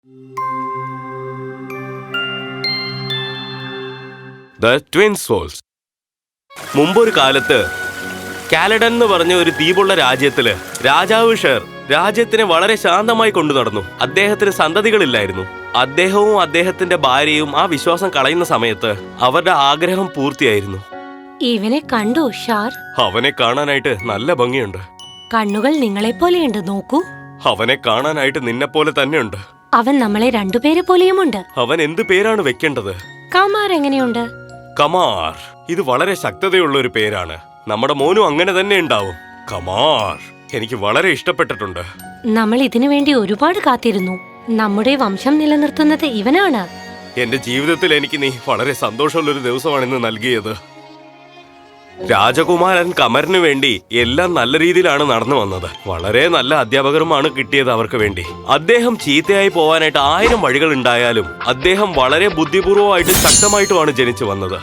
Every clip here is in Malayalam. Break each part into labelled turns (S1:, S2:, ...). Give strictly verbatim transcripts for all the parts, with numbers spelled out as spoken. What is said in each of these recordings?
S1: The twin souls. മുമ്പൊരു കാലത്ത് കാലഡൻ എന്ന് പറഞ്ഞ ഒരു ദ്വീപുള്ള രാജ്യത്തില് രാജാവ് ഷേർ രാജ്യത്തിനെ വളരെ ശാന്തമായി കൊണ്ടു നടന്നു. അദ്ദേഹത്തിന് സന്തതികളില്ലായിരുന്നു. അദ്ദേഹവും അദ്ദേഹത്തിന്റെ ഭാര്യയും ആ വിശ്വാസം കളയുന്ന സമയത്ത് അവരുടെ ആഗ്രഹം പൂർത്തിയായിരുന്നു.
S2: ഇവനെ കണ്ടു ഷാർ?
S1: അവനെ കാണാനായിട്ട് നല്ല ഭംഗിയുണ്ട്.
S2: കണ്ണുകൾ നിങ്ങളെപ്പോലെയുണ്ട്, നോക്കൂ.
S1: അവനെ കാണാനായിട്ട് നിന്നെ പോലെ തന്നെയുണ്ട്.
S2: അവൻ നമ്മളെ രണ്ടുപേരെ പോലെയുമുണ്ട്.
S1: അവൻ എന്ത് പേരാണ് വെക്കേണ്ടത്?
S2: കമാർ എങ്ങനെയുണ്ട്?
S1: കമാർ, ഇത് വളരെ ശക്തതയുള്ള ഒരു പേരാണ്. നമ്മുടെ മോനും അങ്ങനെ തന്നെ ഉണ്ടാവും. കമാർ എനിക്ക് വളരെ ഇഷ്ടപ്പെട്ടിട്ടുണ്ട്.
S2: നമ്മൾ ഇതിനു വേണ്ടി ഒരുപാട് കാത്തിരുന്നു. നമ്മുടെ വംശം നിലനിർത്തുന്നത് ഇവനാണ്.
S1: എന്റെ ജീവിതത്തിൽ എനിക്ക് നീ വളരെ സന്തോഷമുള്ള ഒരു ദിവസമാണ് ഇന്ന് നൽകിയത്. രാജകുമാരൻ കമറിന് വേണ്ടി എല്ലാം നല്ല രീതിയിലാണ് നടന്നു വന്നത്. വളരെ നല്ല അധ്യാപകരുമാണ് കിട്ടിയത് അവർക്ക് വേണ്ടി. അദ്ദേഹം ചീത്തയായി പോവാനായിട്ട് ആയിരം വഴികൾ ഉണ്ടായാലും അദ്ദേഹം വളരെ ബുദ്ധിപൂർവമായിട്ട് ശക്തമായിട്ടുമാണ് ജനിച്ചു വന്നത്.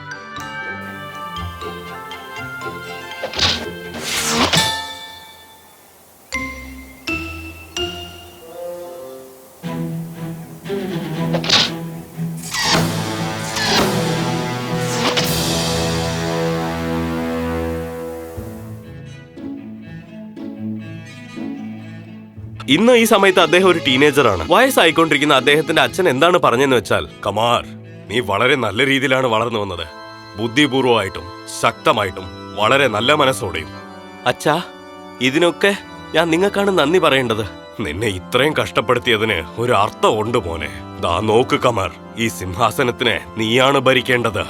S1: ഇന്ന് ഈ സമയത്ത് അദ്ദേഹം ഒരു ടീനേജറാണ്. വയസ്സായിക്കൊണ്ടിരിക്കുന്ന അദ്ദേഹത്തിന്റെ അച്ഛൻ എന്താണ് പറഞ്ഞെന്ന് വെച്ചാൽ, കമാർ, നീ വളരെ നല്ല രീതിയിലാണ് വളർന്നു വന്നത്. ബുദ്ധിപൂർവമായിട്ടും ശക്തമായിട്ടും വളരെ നല്ല മനസ്സോടെയും. അച്ഛാ, ഇതിനൊക്കെ ഞാൻ നിങ്ങൾക്കാണ് നന്ദി പറയേണ്ടത്. നിന്നെ ഇത്രയും കഷ്ടപ്പെടുത്തിയതിന് ഒരു അർത്ഥം ഉണ്ട് മോനെ. ദാ നോക്ക് കമർ, ഈ സിംഹാസനത്തിനെ നീയാണ് ഭരിക്കേണ്ടത്.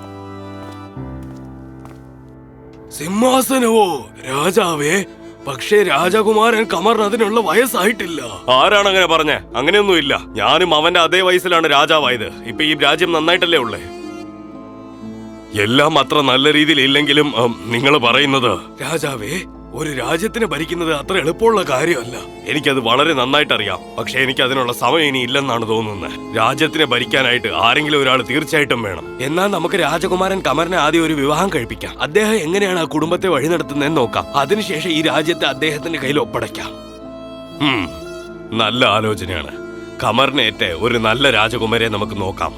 S1: സിംഹാസനവോ രാജാവേ? പക്ഷേ രാജകുമാരൻ കമറിന് അതിനുള്ള വയസ്സായിട്ടില്ല. ആരാണ് അങ്ങനെ പറഞ്ഞേ? അങ്ങനെയൊന്നുമില്ല. ഞാനും അവന്റെ അതേ വയസ്സിലാണ് രാജാവായത്. ഇപ്പൊ ഈ രാജ്യം നന്നായിട്ടല്ലേ ഉള്ളേ. എല്ലാം അത്ര നല്ല രീതിയിൽ ഇല്ലെങ്കിലും നിങ്ങൾ പറയുന്നത്, രാജാവേ, ഒരു രാജ്യത്തിനെ ഭരിക്കുന്നത് അത്ര എളുപ്പമുള്ള കാര്യമല്ല. എനിക്കത് വളരെ നന്നായിട്ട് അറിയാം. പക്ഷെ എനിക്ക് അതിനുള്ള സമയം ഇനി ഇല്ലെന്നാണ് തോന്നുന്നത്. രാജ്യത്തിനെ ഭരിക്കാനായിട്ട് ആരെങ്കിലും ഒരാൾ തീർച്ചയായിട്ടും വേണം. എന്നാൽ നമുക്ക് രാജകുമാരൻ കമറിനെ ആദ്യം ഒരു വിവാഹം കഴിപ്പിക്കാം. അദ്ദേഹം എങ്ങനെയാണ് ആ കുടുംബത്തെ വഴി നടത്തുന്നതെന്ന് നോക്കാം. അതിനുശേഷം ഈ രാജ്യത്തെ അദ്ദേഹത്തിന്റെ കയ്യിൽ ഒപ്പടയ്ക്കാം. നല്ല ആലോചനയാണ്. കമറിനേറ്റ് ഒരു നല്ല രാജകുമാരെ നമുക്ക് നോക്കാം.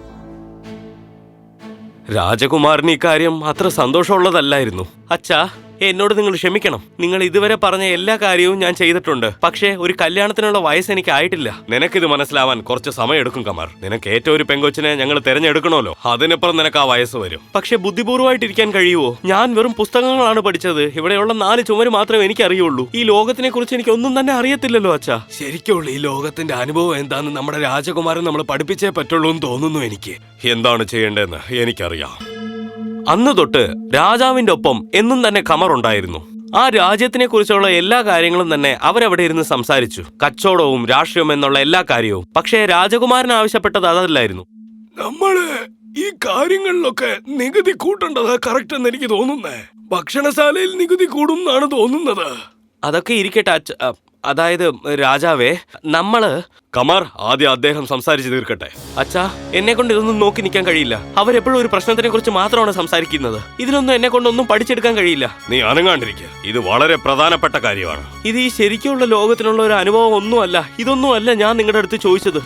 S1: രാജകുമാരന് ഇക്കാര്യം അത്ര സന്തോഷമുള്ളതല്ലായിരുന്നു. അച്ഛാ, എന്നോട് നിങ്ങൾ ക്ഷമിക്കണം. നിങ്ങൾ ഇതുവരെ പറഞ്ഞ എല്ലാ കാര്യവും ഞാൻ ചെയ്തിട്ടുണ്ട്. പക്ഷേ ഒരു കല്യാണത്തിനുള്ള വയസ്സ് എനിക്ക് ആയിട്ടില്ല. നിനക്കിത് മനസ്സിലാവാൻ കുറച്ച് സമയം എടുക്കും കമർ. നിനക്ക് ഏറ്റവും ഒരു പെങ്കൊച്ചിനെ ഞങ്ങൾ തിരഞ്ഞെടുക്കണമല്ലോ. അതിനപ്പുറം നിനക്ക് ആ വയസ്സ് വരും. പക്ഷെ ബുദ്ധിപൂർവ്വമായിട്ടിരിക്കാൻ കഴിയുമോ? ഞാൻ വെറും പുസ്തകങ്ങളാണ് പഠിച്ചത്. ഇവിടെയുള്ള നാല് ചുമര് മാത്രമേ എനിക്ക് അറിയുള്ളൂ. ഈ ലോകത്തിനെ കുറിച്ച് എനിക്ക് ഒന്നും തന്നെ അറിയത്തില്ലല്ലോ അച്ഛാ. ശരിക്കുള്ള ഈ ലോകത്തിന്റെ അനുഭവം എന്താന്ന് നമ്മുടെ രാജകുമാരൻ നമ്മൾ പഠിപ്പിച്ചേ പറ്റുള്ളൂ എന്ന് തോന്നുന്നു എനിക്ക്. എന്താണ് ചെയ്യേണ്ടതെന്ന് എനിക്കറിയാം. അന്ന് തൊട്ട് രാജാവിന്റെ ഒപ്പം എന്നും തന്നെ കമർ ഉണ്ടായിരുന്നു. ആ രാജ്യത്തിനെ കുറിച്ചുള്ള എല്ലാ കാര്യങ്ങളും തന്നെ അവരവിടെ ഇരുന്ന് സംസാരിച്ചു. കച്ചവടവും രാഷ്ട്രീയവും എന്നുള്ള എല്ലാ കാര്യവും. പക്ഷേ രാജകുമാരൻ ആവശ്യപ്പെട്ടത് അതല്ലായിരുന്നു. നമ്മള് ഈ കാര്യങ്ങളിലൊക്കെ നികുതി കൂട്ടേണ്ടതാ കറക്റ്റ് എന്ന് എനിക്ക് തോന്നുന്നേ. ഭക്ഷണശാലയിൽ നികുതി കൂടും എന്നാണ് തോന്നുന്നത്. അതൊക്കെ ഇരിക്കട്ടെ അച്ഛ, അതായത് രാജാവേ, നമ്മള് കമർ ആദ്യം അദ്ദേഹം സംസാരിച്ചു തീർക്കട്ടെ. അച്ഛാ, എന്നെ കൊണ്ട് ഇതൊന്നും നോക്കി നിൽക്കാൻ കഴിയില്ല. അവരെപ്പോഴും ഒരു പ്രശ്നത്തിനെ കുറിച്ച് മാത്രമാണ് സംസാരിക്കുന്നത്. ഇതിനൊന്നും എന്നെ കൊണ്ടൊന്നും പഠിച്ചെടുക്കാൻ കഴിയില്ല. നീ അനങ്ങാണ്ടിരിക്കുക. ഇത് വളരെ പ്രധാനപ്പെട്ട കാര്യമാണ്. ഇത് ഈ ശരിക്കുള്ള ലോകത്തിനുള്ള ഒരു അനുഭവം ഒന്നുമല്ല. ഇതൊന്നുമല്ല ഞാൻ നിങ്ങളുടെ അടുത്ത് ചോദിച്ചത്.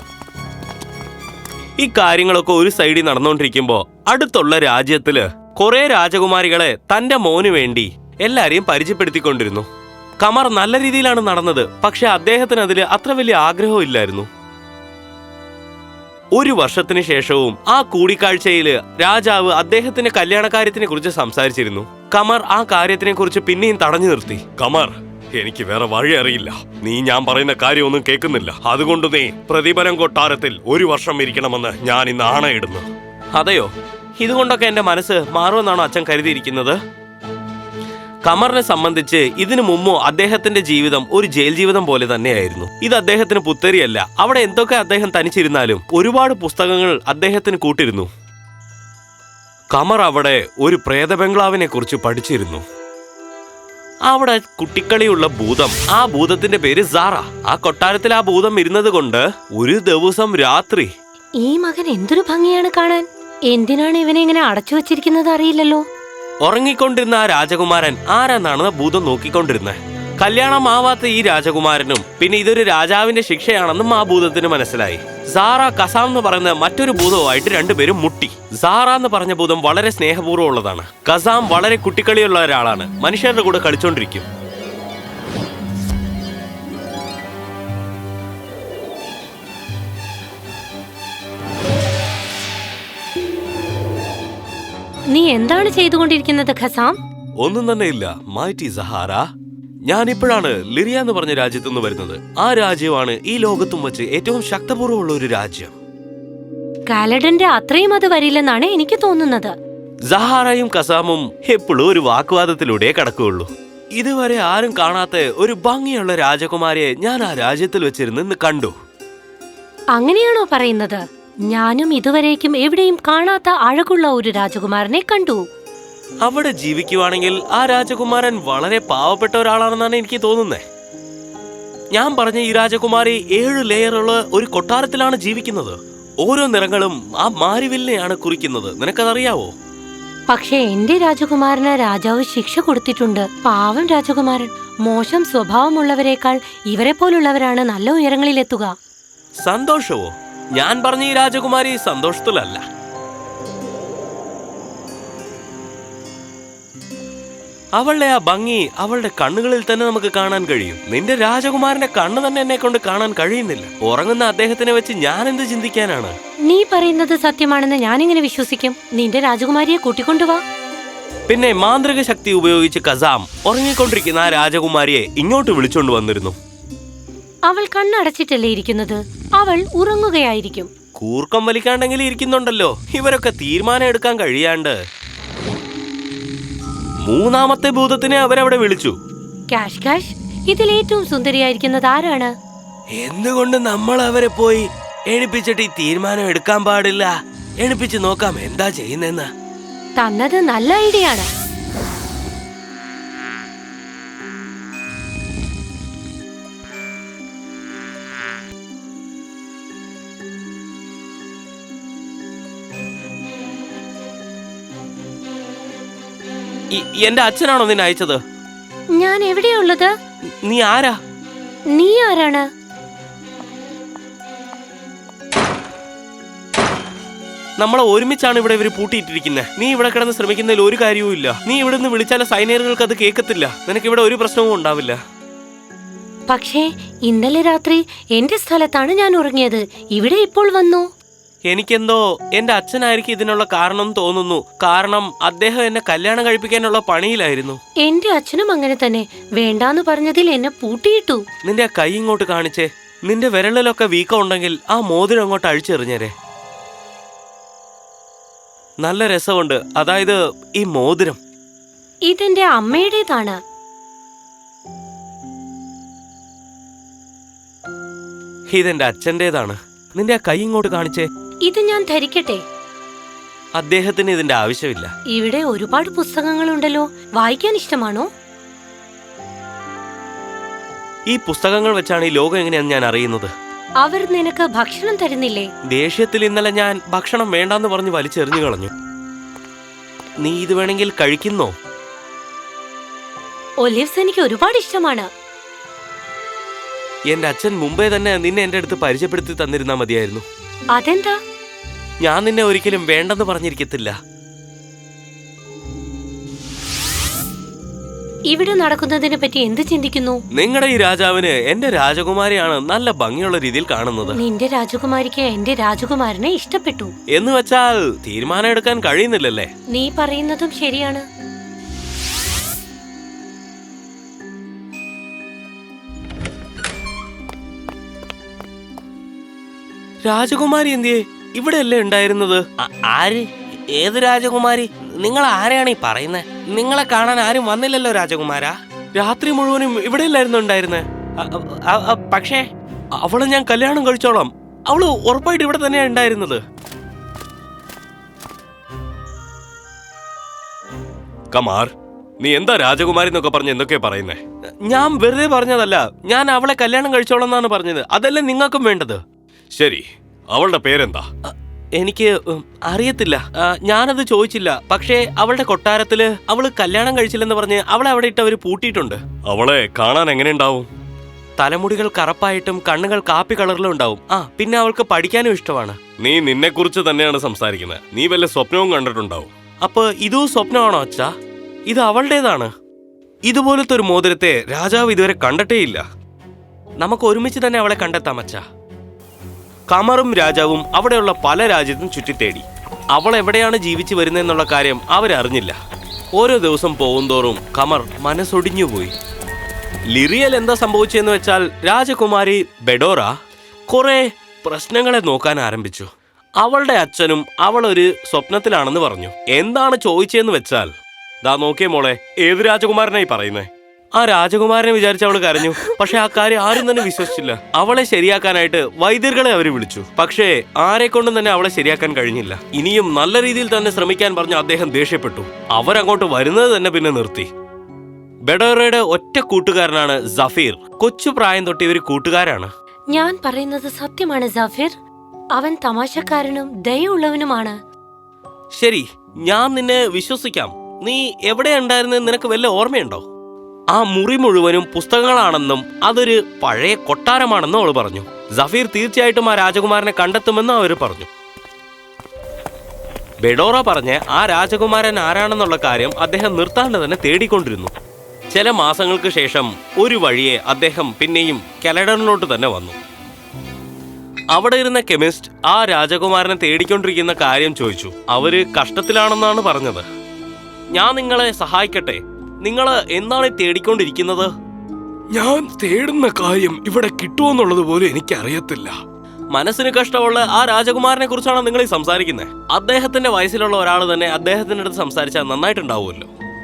S1: ഈ കാര്യങ്ങളൊക്കെ ഒരു സൈഡിൽ നടന്നുകൊണ്ടിരിക്കുമ്പോ അടുത്തുള്ള രാജ്യത്തില് കുറെ രാജകുമാരികളെ തന്റെ മോന് വേണ്ടി എല്ലാരെയും പരിചയപ്പെടുത്തിക്കൊണ്ടിരുന്നു. കമർ നല്ല രീതിയിലാണ് നടന്നത്. പക്ഷെ അദ്ദേഹത്തിന് അതിൽ അത്ര വലിയ ആഗ്രഹമില്ലായിരുന്നു. ഒരു വർഷത്തിന് ശേഷവും ആ കൂടിക്കാഴ്ചയില് രാജാവ് അദ്ദേഹത്തിന്റെ കല്യാണകാര്യത്തിനെ കുറിച്ച് സംസാരിച്ചിരുന്നു. കമർ ആ കാര്യത്തിനെ കുറിച്ച് പിന്നെയും തടഞ്ഞു നിർത്തി. കമർ, എനിക്ക് വേറെ വഴി അറിയില്ല. നീ ഞാൻ പറയുന്ന കാര്യമൊന്നും കേൾക്കുന്നില്ല. അതുകൊണ്ട് നീ പ്രതിഫലം കൊട്ടാരത്തിൽ ഒരു വർഷം ഇരിക്കണമെന്ന് ഞാൻ ഇന്ന് ആണയിടുന്നു. അതെയോ? ഇതുകൊണ്ടൊക്കെ എന്റെ മനസ്സ് മാറുമെന്നാണോ അച്ഛൻ കരുതിയിരിക്കുന്നത്? കമറിനെ സംബന്ധിച്ച് ഇതിനു മുമ്പോ അദ്ദേഹത്തിന്റെ ജീവിതം ഒരു ജയിൽ ജീവിതം പോലെ തന്നെയായിരുന്നു. ഇത് അദ്ദേഹത്തിന് പുത്തരിയല്ല. അവിടെ എന്തൊക്കെ അദ്ദേഹം തനിച്ചിരുന്നാലും ഒരുപാട് പുസ്തകങ്ങൾ അദ്ദേഹത്തിന് കൂട്ടിരുന്നു. കമർ അവിടെ ഒരു പ്രേത ബംഗ്ലാവിനെ കുറിച്ച് പഠിച്ചിരുന്നു. അവിടെ കുട്ടിക്കളിയുള്ള ഭൂതം, ആ ഭൂതത്തിന്റെ പേര് സാറ. ആ കൊട്ടാരത്തിൽ ആ ഭൂതം ഇരുന്നത് കൊണ്ട് ഒരു ദിവസം രാത്രി,
S2: ഈ മകൻ എന്തൊരു ഭംഗിയാണ് കാണാൻ. എന്തിനാണ് ഇവനെ ഇങ്ങനെ അടച്ചു വെച്ചിരിക്കുന്നത് അറിയില്ലല്ലോ.
S1: ഉറങ്ങിക്കൊണ്ടിരുന്ന ആ രാജകുമാരൻ ആരാന്നാണ് ഭൂതം നോക്കിക്കൊണ്ടിരുന്നത്. കല്യാണം ആവാത്ത ഈ രാജകുമാരനും പിന്നെ ഇതൊരു രാജാവിന്റെ ശിക്ഷയാണെന്നും ആ ഭൂതത്തിന് മനസ്സിലായി. സാറ കസാം എന്ന് പറയുന്ന മറ്റൊരു ഭൂതവുമായിട്ട് രണ്ടുപേരും മുട്ടി. സാറ എന്ന് പറഞ്ഞ ഭൂതം വളരെ സ്നേഹപൂർവ്വം ഉള്ളതാണ്. കസാം വളരെ കുട്ടിക്കളിയുള്ള ഒരാളാണ്, മനുഷ്യരുടെ കൂടെ കളിച്ചോണ്ടിരിക്കും.
S2: നീ എന്താണ് ചെയ്തുകൊണ്ടിരിക്കുന്നത് ഖസാം?
S1: ഒന്നും തന്നെ ഇല്ല മൈറ്റി സഹാറ. ഞാൻ ഇപ്പോഴാണ് ലിറിയ എന്ന് പറഞ്ഞ രാജ്യത്തു നിന്ന് വരുന്നത്. ആ രാജ്യമാണ് ഈ ലോകത്തും വെച്ച് ഏറ്റവും ശക്തപൂർവ്വമുള്ള ഒരു രാജ്യം.
S2: കാലഡന്റെ അത്രയും അത് വരില്ലെന്നാണ് എനിക്ക് തോന്നുന്നത്.
S1: സഹാറയും കസാമും എപ്പോഴും ഒരു വാഗ്വാദത്തിലൂടെ കടക്കുകയുള്ളൂ. ഇതുവരെ ആരും കാണാത്ത ഒരു ഭംഗിയുള്ള രാജകുമാരിയെ ഞാൻ ആ രാജ്യത്തിൽ വെച്ചിരുന്ന് കണ്ടു.
S2: അങ്ങനെയാണോ പറയുന്നത്? ഞാനും ഇതുവരേക്കും എവിടെയും കാണാത്ത അഴകുള്ള ഒരു രാജകുമാരനെ കണ്ടു.
S1: അവിടെ ജീവിക്കുവാണെങ്കിൽ ആ രാജകുമാരൻ വളരെ പാവപ്പെട്ട ഒരാളാണെന്നാണ് എനിക്ക് തോന്നുന്നത്. ഞാൻ പറഞ്ഞ ഈ രാജകുമാരി ഏഴ് ലെയറുള്ള ഒരു കൊട്ടാരത്തിലാണ് ജീവിക്കുന്നത്. ഓരോ നിറങ്ങളും ആ മാരിവില്ലിനെയാണ് കുറിക്കുന്നത്. നിനക്കതറിയാവോ?
S2: പക്ഷെ എന്റെ രാജകുമാരന് രാജാവ് ശിക്ഷ കൊടുത്തിട്ടുണ്ട്. പാവം രാജകുമാരൻ. മോശം സ്വഭാവമുള്ളവരെക്കാൾ ഇവരെ പോലുള്ളവരാണ് നല്ല ഉയരങ്ങളിലെത്തുക.
S1: സന്തോഷവോ? ഞാൻ പറഞ്ഞ ഈ രാജകുമാരി സന്തോഷത്തിലല്ല. അവളുടെ ആ ഭംഗി അവളുടെ കണ്ണുകളിൽ തന്നെ നമുക്ക് കാണാൻ കഴിയും. നിന്റെ രാജകുമാരന്റെ കണ്ണ് തന്നെ എന്നെ കൊണ്ട് കാണാൻ കഴിയുന്നില്ല. ഉറങ്ങുന്ന അദ്ദേഹത്തിനെ വെച്ച് ഞാൻ എന്ത് ചിന്തിക്കാനാണ്?
S2: നീ പറയുന്നത് സത്യമാണെന്ന് ഞാനിങ്ങനെ വിശ്വസിക്കും. നിന്റെ രാജകുമാരിയെ കൂട്ടിക്കൊണ്ടുവാ.
S1: പിന്നെ മാന്ത്രിക ശക്തി ഉപയോഗിച്ച് കസാം ഉറങ്ങിക്കൊണ്ടിരിക്കുന്ന ആ രാജകുമാരിയെ ഇങ്ങോട്ട് വിളിച്ചോണ്ട് വന്നിരുന്നു.
S2: അവൾ കണ്ണടച്ചിട്ടല്ലേ ഇരിക്കുന്നത്? അവൾ ഉറങ്ങുകയായിരിക്കും.
S1: കൂർക്കം വലിക്കാണ്ടെങ്കിലും ഇരിക്കുന്നുണ്ടല്ലോ. ഇവരൊക്കെ തീരുമാനം എടുക്കാൻ കഴിയാണ്ട് മൂന്നാമത്തെ ഭൂതത്തിനെ അവരവിടെ വിളിച്ചു.
S2: കാഷ് കാഷ്, ഇതിൽ ഏറ്റവും സുന്ദരിയായിരിക്കുന്നത് ആരാണ്?
S1: എന്തുകൊണ്ട് നമ്മൾ അവരെ പോയി എണിപ്പിച്ചിട്ട് ഈ തീരുമാനം എടുക്കാൻ പാടില്ല? എണിപ്പിച്ച് നോക്കാം എന്താ ചെയ്യുന്നെന്ന്.
S2: തന്നത് നല്ല ഐഡിയ ആണ്.
S1: എന്റെ അച്ഛനാണോ നിന്നെ അയച്ചത്?
S2: ഞാൻ എവിടെയുള്ളത്?
S1: നീ ആരാ?
S2: നീ ആരാണ്?
S1: നമ്മളെ ഒരുമിച്ചാണ് ഇവിടെ ഇവര് പൂട്ടിയിട്ടിരിക്കുന്നത്. നീ ഇവിടെ കിടന്ന് ശ്രമിക്കുന്നതിൽ ഒരു കാര്യവും ഇല്ല. നീ ഇവിടെ നിന്ന് വിളിച്ചാൽ സൈനികർക്ക് അത് കേൾക്കത്തില്ല. നിനക്ക് ഇവിടെ ഒരു പ്രശ്നവും ഉണ്ടാവില്ല.
S2: പക്ഷേ ഇന്നലെ രാത്രി എന്റെ സ്ഥലത്താണ് ഞാൻ ഉറങ്ങിയത്. ഇവിടെ ഇപ്പോൾ വന്നു.
S1: എനിക്കെന്തോ എന്റെ അച്ഛനായിരിക്കും ഇതിനുള്ള കാരണം തോന്നുന്നു. കാരണം അദ്ദേഹം എന്നെ കല്യാണം കഴിപ്പിക്കാനുള്ള പണിയിലായിരുന്നു.
S2: എന്റെ അച്ഛനും അങ്ങനെ തന്നെ. വേണ്ടാന്ന് പറഞ്ഞതിൽ എന്നെ പൂട്ടിയിട്ടു.
S1: നിന്റെ ആ കൈ ഇങ്ങോട്ട് കാണിച്ചേ. നിന്റെ വിരലിലൊക്കെ വീക്കം ഉണ്ടെങ്കിൽ ആ മോതിരം അങ്ങോട്ട് അഴിച്ചെറിഞ്ഞേരെ. നല്ല രസമുണ്ട്. അതായത് ഈ മോതിരം
S2: ഇതെന്റെ അമ്മയുടേതാണ്.
S1: ഇതെന്റെ അച്ഛൻ്റെതാണ്. നിന്റെ ആ കൈ ഇങ്ങോട്ട് കാണിച്ചേ.
S2: ഇത് ഞാൻ ധരിക്കട്ടെ?
S1: അദ്ദേഹത്തിന് ഇതിന്റെ ആവശ്യമില്ല.
S2: ഇവിടെ ഒരുപാട് പുസ്തകങ്ങളുണ്ടല്ലോ. വായിക്കാൻ ഇഷ്ടമാണോ?
S1: ഈ പുസ്തകങ്ങൾ വെച്ചാണ് ഈ ലോകം എങ്ങനെയാന്ന് ഞാൻ അറിയുന്നത്.
S2: അവർ നിനക്ക് ഭക്ഷണം തരുന്നില്ലേ?
S1: ദേഷ്യത്തിൽ ഇന്നലെ ഞാൻ ഭക്ഷണം വേണ്ടാന്ന് പറഞ്ഞ് വലിച്ചെറിഞ്ഞു കളഞ്ഞു. നീ ഇത് വേണമെങ്കിൽ കഴിക്കുന്നോ?
S2: ഒലിവ്സ് എനിക്ക് ഒരുപാട് ഇഷ്ടമാണ്.
S1: എന്റെ അച്ഛൻ മുമ്പേ തന്നെ നിന്നെ എന്റെ അടുത്ത് പരിചയപ്പെടുത്തി തന്നിരുന്നാ മതിയായിരുന്നു.
S2: അതെന്താ?
S1: ഞാൻ നിന്നെ ഒരിക്കലും വേണ്ടെന്ന് പറഞ്ഞിരിക്കത്തില്ല.
S2: ഇവിടെ നടക്കുന്നതിനെ പറ്റി എന്ത് ചിന്തിക്കുന്നു?
S1: നിങ്ങളുടെ ഈ രാജാവിന് എന്റെ രാജകുമാരിയാണ് നല്ല ഭംഗിയുള്ള രീതിയിൽ കാണുന്നത്.
S2: നിന്റെ രാജകുമാരിക്ക് എന്റെ രാജകുമാരനെ ഇഷ്ടപ്പെട്ടു
S1: എന്ന് വെച്ചാൽ തീരുമാനം എടുക്കാൻ കഴിയുന്നില്ലല്ലേ?
S2: നീ പറയുന്നതും ശരിയാണ്.
S1: രാജകുമാരി എന്തിയേ? ഇവിടെയല്ലേ ഉണ്ടായിരുന്നത്? ആര്? ഏത് രാജകുമാരി? നിങ്ങൾ ആരെയാണ് ഈ പറയുന്നത്? നിങ്ങളെ കാണാൻ ആരും വന്നില്ലല്ലോ രാജകുമാരാ. രാത്രി മുഴുവനും ഇവിടെയല്ലായിരുന്നു ഉണ്ടായിരുന്നേ. പക്ഷേ അവളെ ഞാൻ കല്യാണം കഴിച്ചോളാം. അവള് ഉറപ്പായിട്ട് ഇവിടെ തന്നെയാണ് ഉണ്ടായിരുന്നത്. കമാർ, നീ എന്താ രാജകുമാരി എന്നൊക്കെ പറഞ്ഞ് എന്തൊക്കെയാ പറയുന്നേ? ഞാൻ വെറുതെ പറഞ്ഞതല്ല. ഞാൻ അവളെ കല്യാണം കഴിച്ചോളാം എന്നാണ് പറഞ്ഞത്. അതല്ലേ നിങ്ങൾക്കും വേണ്ടത്? ശരി, അവളുടെ പേരെന്താ? എനിക്ക് ഉം, അറിയത്തില്ല. ആ, ഞാനത് ചോദിച്ചില്ല. പക്ഷേ അവളുടെ കൊട്ടാരത്തില് അവള് കല്യാണം കഴിച്ചില്ലെന്ന് പറഞ്ഞ് അവളെ അവിടെ ഇട്ട് അവര് പൂട്ടിയിട്ടുണ്ട്. അവളെ കാണാൻ എങ്ങനെ ഉണ്ടാവും? തലമുടികൾ കറുപ്പായിട്ടും കണ്ണുകൾ കാപ്പി കളറിലും ഉണ്ടാവും. ആ പിന്നെ അവൾക്ക് പഠിക്കാനും ഇഷ്ടമാണ്. നീ നിന്നെ കുറിച്ച് തന്നെയാണ് സംസാരിക്കുന്നത്. നീ വല്ല സ്വപ്നവും കണ്ടിട്ടുണ്ടാവും. അപ്പൊ ഇതും സ്വപ്നമാണോ അച്ഛാ? ഇത് അവളുടേതാണ്. ഇതുപോലത്തെ ഒരു മോതിരത്തെ രാജാവ് ഇതുവരെ കണ്ടിട്ടേയില്ല. നമുക്ക് ഒരുമിച്ച് തന്നെ അവളെ കണ്ടെത്താം അച്ഛാ. കമറും രാജാവും അവിടെയുള്ള പല രാജ്യത്തും ചുറ്റിത്തേടി. അവൾ എവിടെയാണ് ജീവിച്ചു വരുന്നതെന്നുള്ള കാര്യം അവരറിഞ്ഞില്ല. ഓരോ ദിവസം പോകുന്തോറും കമർ മനസ്സൊടിഞ്ഞുപോയി. ലിറിയൽ എന്താ സംഭവിച്ചെന്ന് വെച്ചാൽ രാജകുമാരി ബെഡോറ കുറെ പ്രശ്നങ്ങളെ നോക്കാൻ ആരംഭിച്ചു. അവളുടെ അച്ഛനും അവളൊരു സ്വപ്നത്തിലാണെന്ന് പറഞ്ഞു. എന്താണ് ചോദിച്ചതെന്ന് വെച്ചാൽ, ദാ നോക്കിയേ മോളെ, ഏത് രാജകുമാരനായി പറയുന്നേ? ആ രാജകുമാരനെ വിചാരിച്ച് അവൾ കരഞ്ഞു. പക്ഷെ ആ കാര്യം ആരും തന്നെ വിശ്വസിച്ചില്ല. അവളെ ശരിയാക്കാനായിട്ട് വൈദ്യർകളെ അവർ വിളിച്ചു. പക്ഷേ ആരെ കൊണ്ടും തന്നെ അവളെ ശരിയാക്കാൻ കഴിഞ്ഞില്ല. ഇനിയും നല്ല രീതിയിൽ തന്നെ ശ്രമിക്കാൻ പറഞ്ഞ് അദ്ദേഹം ദേഷ്യപ്പെട്ടു. അവരങ്ങോട്ട് വരുന്നത് തന്നെ പിന്നെ നിർത്തി. ബെഡോറയുടെ ഒറ്റ കൂട്ടുകാരനാണ് സഫീർ. കൊച്ചു പ്രായം തൊട്ട് ഇവർ കൂട്ടുകാരാണ്.
S2: ഞാൻ പറയുന്നത് സത്യമാണ് സഫീർ. അവൻ തമാശക്കാരനും ദയുള്ളവനുമാണ്.
S1: ശരി, ഞാൻ നിന്നെ വിശ്വസിക്കാം. നീ എവിടെ ഉണ്ടായിരുന്നെന്ന് നിനക്ക് വല്ല ഓർമ്മയുണ്ടോ? ആ മുറി മുഴുവനും പുസ്തകങ്ങളാണെന്നും അതൊരു പഴയ കൊട്ടാരമാണെന്നും അവൾ പറഞ്ഞു. സഫീർ തീർച്ചയായിട്ടും ആ രാജകുമാരനെ കണ്ടെത്തുമെന്നും അവർ പറഞ്ഞു. ബെഡോറ പറഞ്ഞ ആ രാജകുമാരൻ ആരാണെന്നുള്ള കാര്യം അദ്ദേഹം നിർത്താണ്ട് തന്നെ തേടിക്കൊണ്ടിരുന്നു. ചില മാസങ്ങൾക്ക് ശേഷം ഒരു വഴിയെ അദ്ദേഹം പിന്നെയും കെലഡറിലോട്ട് തന്നെ വന്നു. അവിടെ ഇരുന്ന കെമിസ്റ്റ് ആ രാജകുമാരനെ തേടിക്കൊണ്ടിരിക്കുന്ന കാര്യം ചോദിച്ചു. അവര് കഷ്ടത്തിലാണെന്നാണ് പറഞ്ഞത്. ഞാൻ നിങ്ങളെ സഹായിക്കട്ടെ. നിങ്ങൾ എന്താണ് തേടിക്കൊണ്ടിരിക്കുന്നത്? ഞാൻ തേടുന്ന കാര്യം ഇവിടെ കിട്ടുമെന്നുള്ളത് പോലും എനിക്കറിയത്തില്ല. മനസ്സിന് കഷ്ടമുള്ള ആ രാജകുമാരനെ കുറിച്ചാണ് നിങ്ങൾ ഈ സംസാരിക്കുന്നത്. അദ്ദേഹത്തിന്റെ വയസ്സിലുള്ള ഒരാൾ തന്നെ അദ്ദേഹത്തിന്റെ അടുത്ത് സംസാരിച്ചാൽ നന്നായിട്ടുണ്ടാവുമല്ലോ.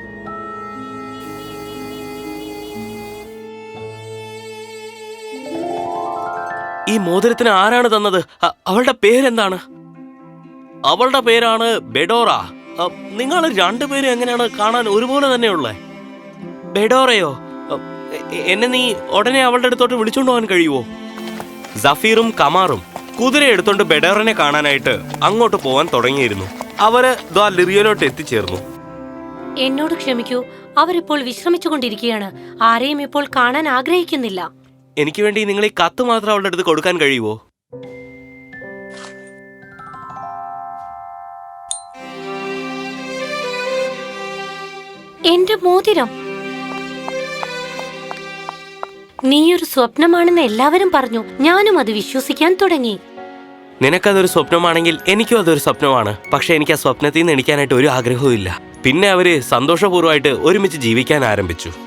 S1: ഈ മോതിരത്തിന് ആരാണ് തന്നത്? അവളുടെ പേരെന്താണ്? അവളുടെ പേരാണ് ബെഡോറ. നിങ്ങൾ രണ്ടുപേരും എങ്ങനെയാണ് കാണാൻ ഒരുപോലെ തന്നെയുള്ളേ? ബെഡോറയോ? എന്നെ നീ ഉടനെ അവളുടെ അടുത്തോട്ട് വിളിച്ചോണ്ട് പോകാൻ കഴിയുമോ? സഫീറും കമാറും കുതിര എടുത്തോണ്ട് ബെഡോറിനെ കാണാനായിട്ട് അങ്ങോട്ട് പോവാൻ തുടങ്ങിയിരുന്നു. അവര് ദ്വാ ലിറിയലോട്ട് എത്തിച്ചേർന്നു.
S2: എന്നോട് ക്ഷമിക്കൂ, അവരിപ്പോൾ വിശ്രമിച്ചുകൊണ്ടിരിക്കുകയാണ്. ആരെയും ഇപ്പോൾ കാണാൻ ആഗ്രഹിക്കുന്നില്ല.
S1: എനിക്ക് വേണ്ടി നിങ്ങൾ ഈ കത്ത് മാത്രം അവളുടെ അടുത്ത് കൊടുക്കാൻ കഴിയുമോ?
S2: എന്റെ മോതിരം നീയൊരു സ്വപ്നമാണെന്ന് എല്ലാവരും പറഞ്ഞു. ഞാനും അത് വിശ്വസിക്കാൻ തുടങ്ങി.
S1: നിനക്കതൊരു സ്വപ്നമാണെങ്കിൽ എനിക്കും അതൊരു സ്വപ്നമാണ്. പക്ഷെ എനിക്ക് ആ സ്വപ്നത്തിൽ നിന്ന് എണീക്കാനായിട്ട് ഒരു ആഗ്രഹവും ഇല്ല. പിന്നെ അവര് സന്തോഷപൂർവ്വമായിട്ട് ഒരുമിച്ച് ജീവിക്കാൻ ആരംഭിച്ചു.